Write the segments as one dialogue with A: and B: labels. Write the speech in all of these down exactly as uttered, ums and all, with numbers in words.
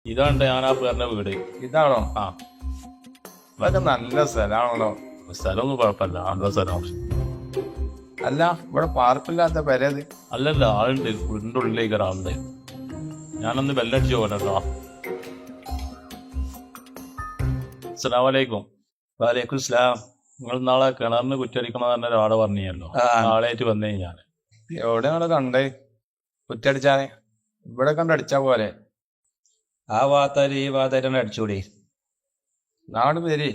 A: ഇതാണ്ട് ഞാൻ ആ പേരുടെ വീട്.
B: ഇതാണോ?
A: ആ,
B: ഇതൊക്കെ നല്ല സ്ഥലമാണല്ലോ.
A: സ്ഥലമൊന്നും കുഴപ്പമില്ല, നല്ല സ്ഥലം.
B: അല്ല, ഇവിടെ പാർപ്പില്ലാത്ത പെരത്.
A: അല്ലല്ല, ആളുണ്ട്, വീടിൻ്റെ ഉള്ളിലേക്ക് ഒരാളുണ്ട്. ഞാനൊന്ന് ബെല്ലടിച്ച് പോകട്ടോ. അസ്സലാമു അലൈക്കും.
C: വാലേക്കും സ്ലാം.
A: നിങ്ങൾ നാളെ കിണറിന് കുറ്റടിക്കണം തന്നെ ഒരാളെ പറഞ്ഞല്ലോ. ആളായിട്ട് വന്നേ ഞാൻ.
B: എവിടെയാണ് കണ്ടേ? കുറ്റടിച്ചാനെ ഇവിടെ കണ്ടടിച്ചാ പോലെ.
C: ആ ഭാഗത്താര് ഈ ഭാഗത്തായിട്ട് അടിച്ചുകൂടി.
B: നാട് പേര്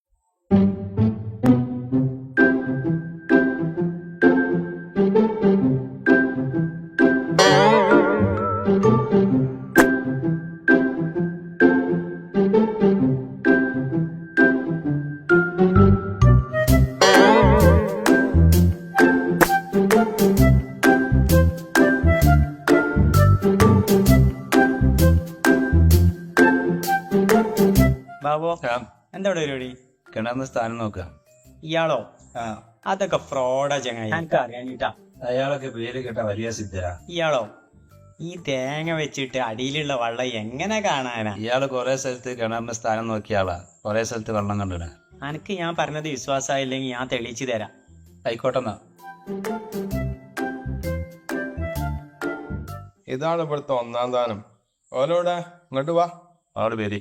D: ബാബോ, എന്താ പരിപാടി?
C: കിണറിന് സ്ഥാനം നോക്കുക.
D: ഇയാളോ?
C: ആ,
D: അതൊക്കെ ഫ്രോഡാ ചങ്ങായി, എനിക്ക് അറിയാനിട്ടാ.
C: അയാളൊക്കെ പേര് കേട്ട വലിയ സിദ്ധരാ.
D: ഇയാളോ? ഈ തേങ്ങ വെച്ചിട്ട് അടിയിലുള്ള വെള്ളം എങ്ങനെ കാണാനാ?
C: ഇയാള് കൊറേ സ്ഥലത്ത് കിണറിന് സ്ഥാനം നോക്കിയ ആളാ. കൊറേ സ്ഥലത്ത് വെള്ളം കണ്ടിട.
D: അനക്ക് ഞാൻ പറഞ്ഞത് വിശ്വാസമായില്ലെങ്കിൽ ഞാൻ തെളിയിച്ചു തരാം.
C: ആയിക്കോട്ടെന്നാ.
B: ഇതാണ് ഇവിടുത്തെ ഒന്നാം സ്ഥാനം. ഓലോടെ ഇങ്ങോട്ട് വാ.
A: ആള് പേര്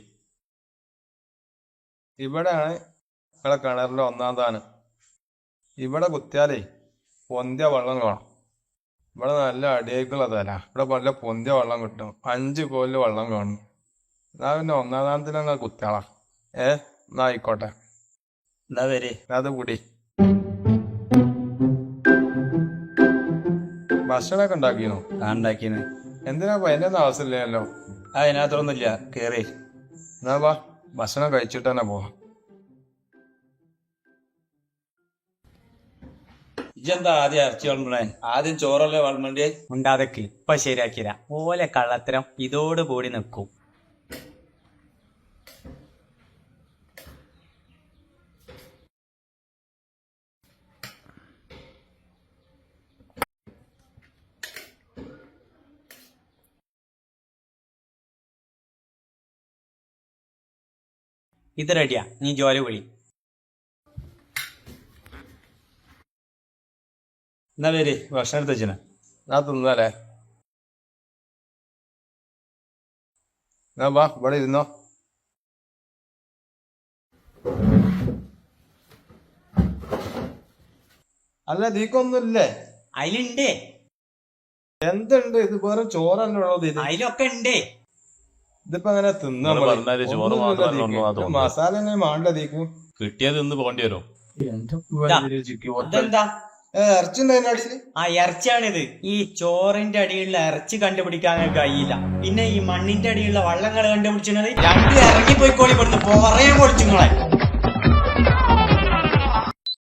B: ഇവിടെയാണ് നിങ്ങളെ കിണറിന്റെ ഒന്നാം സ്ഥാനം. ഇവിടെ കുത്തിയാലേ പൊന്തിയ വെള്ളം കാണും. ഇവിടെ നല്ല അടിയേക്കുള്ള തല. ഇവിടെ നല്ല പൊന്തിയ വെള്ളം കിട്ടും. അഞ്ച് കോലില് വെള്ളം കാണും. എന്നാ പിന്നെ ഒന്നാം സ്ഥാനത്തിൽ നിങ്ങൾ കുത്തിയാളാ. ഏ എന്നാ ആയിക്കോട്ടെ.
C: എന്താ പേര്?
B: അത് കൂടി ഭക്ഷണമൊക്കെ ഉണ്ടാക്കിനോ?
C: ആ ഉണ്ടാക്കിന്.
B: എന്തിനാ അതിന്റെ ഒന്നും ആവശ്യമില്ലല്ലോ.
C: ആ അതിനകത്തൊന്നുമില്ല, കേറി.
B: എന്നാ വാ, ഭക്ഷണം കഴിച്ചിട്ട് തന്നെ പോവാം.
C: ഇജെന്താ ആദ്യം ഇറച്ചി വളമ്പണേ? ആദ്യം ചോറല്ലേ വളമ്പണ്ടേ?
D: ഉണ്ടാതൊക്കെ ഇപ്പൊ ശരിയാക്കിരാ. ഓലെ കള്ളത്തരം ഇതോടുകൂടി നിൽക്കും. ഇത് റെഡിയാ, നീ ജോലി വിളി.
C: എന്നാ പേര്? ഭക്ഷണം എടുത്ത് വെച്ചിന.
B: ഞാൻ തിന്നാലേ? എന്നാ വാ, ഇവിടെ ഇരുന്നോ. അല്ല, നീക്കൊന്നുമില്ലേ?
D: അതിലുണ്ടേ,
B: എന്തുണ്ട്? ഇത് വേറെ ചോറല്ലേ ഉള്ളത്. ഇത്
D: അതിലൊക്കെ ഉണ്ടേ.
B: ഇതിപ്പോ അങ്ങനെ തിന്നാ
A: നിങ്ങള് പറഞ്ഞാല് ചോറ് മാത്രമല്ല ഉള്ളൂ എന്നാ തോന്നുന്നത്.
B: മസാല തന്നെ മാണ്ട തീക്കും.
A: കിട്ടിയത് ഇന്ന് പോകേണ്ടി വരും.
D: അതെന്താ?
B: ഇറച്ചി ഉണ്ടായിരുന്നു അടിയില്.
D: ആ ഇറച്ചിയാണിത്. ഈ ചോറിന്റെ അടിയിലുള്ള ഇറച്ചി കണ്ടുപിടിക്കാൻ കഴിയില്ല. പിന്നെ ഈ മണ്ണിന്റെ അടിയിലുള്ള വള്ളങ്ങൾ കണ്ടുപിടിച്ചത് രണ്ടും ഇറങ്ങിപ്പോയിക്കോളി, ഇവിടുന്ന് പറയാൻ പൊളിച്ചുങ്ങളെ.